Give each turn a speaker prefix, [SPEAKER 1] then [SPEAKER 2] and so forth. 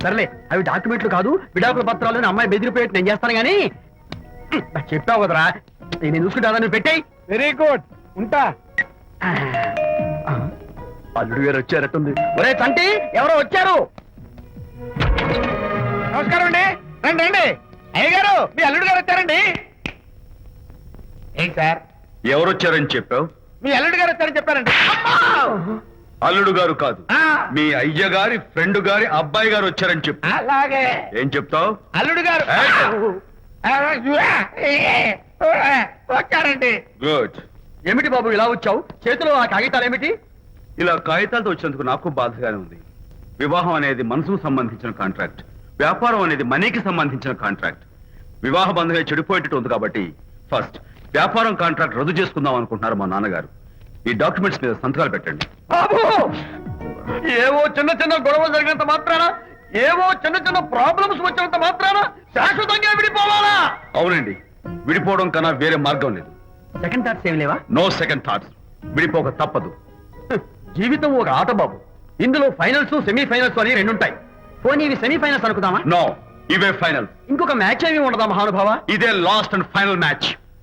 [SPEAKER 1] సర్లే అవి డాక్యుమెంట్లు కాదు, విడాకుల పత్రాలు. అమ్మాయి బెదిరిపోయేట్టు నేను చేస్తాను గానీ చెప్పావు కదరా, నేను చూసుకుంటా. నువ్వు పెట్టాయి.
[SPEAKER 2] వెరీ గుడ్, ఉంటా.
[SPEAKER 1] అల్లుడు గారు వచ్చారట్టుంది. ఒరే చంటి, ఎవరో వచ్చారు.
[SPEAKER 2] నమస్కారం అండి. రండి రండి. అయ్య గారు, మీ అల్లుడు గారు వచ్చారండి. ఏంటి సార్?
[SPEAKER 3] ఎవరొచ్చారని చెప్పావు?
[SPEAKER 2] మీ అల్లుడు గారు వచ్చారని చెప్పారండి.
[SPEAKER 3] అల్లుడు గారు కాదు,
[SPEAKER 2] ఆ,
[SPEAKER 3] మీ అయ్య గారి ఫ్రెండ్ గారి అబ్బాయి గారు వచ్చారని చెప్పు.
[SPEAKER 2] అలాగే.
[SPEAKER 3] ఏం చెప్తావు?
[SPEAKER 2] అల్లుడు గారు వచ్చారండి.
[SPEAKER 3] గుడ్.
[SPEAKER 1] ఏమిటి బాబు ఇలా వచ్చావు? చేతిలో ఆ కాగితాలు ఏమిటి?
[SPEAKER 3] ఇలా కాగితాలతో వచ్చినందుకు నాకు బాధగానే ఉంది. వివాహం అనేది మనసుకు సంబంధించిన కాంట్రాక్ట్, వ్యాపారం అనేది మనీకి సంబంధించిన కాంట్రాక్ట్. వివాహ బంధంగా చెడిపోయేటట్టు ఉంది కాబట్టి ఫస్ట్ వ్యాపారం కాంట్రాక్ట్ రద్దు చేసుకుందాం అనుకుంటున్నారు మా నాన్నగారు. ఈ డాక్యుమెంట్స్ మీద సంతకాలు పెట్టండి.
[SPEAKER 1] బాబు, ఏవో చిన్న చిన్న గొడవలు జరిగినంత మాత్రాన, ఏవో చిన్న చిన్న ప్రాబ్లమ్స్ వచ్చినంత మాత్రాన శాశ్వతంగా విడిపోవాలా?
[SPEAKER 3] అవునండి, విడిపోవడం కన్నా వేరే మార్గం లేదు.
[SPEAKER 1] సెకండ్ థాట్స్ ఏమి లేవా?
[SPEAKER 3] No second thoughts. విడిపోక తప్పదు.
[SPEAKER 1] జీవితం ఒక ఆట బాబు. ఇందులో ఫైనల్స్, సెమీఫైనల్స్ అని రెండుంటాయి. పోనీ ఇవి సెమీఫైనల్స్ అనుకుందామా?
[SPEAKER 3] నో, ఇవే ఫైనల్.
[SPEAKER 1] ఇంకొక మ్యాచ్ ఏమి ఉండదా మహానుభావ?
[SPEAKER 3] ఇదే లాస్ట్ అండ్ ఫైనల్ మ్యాచ్.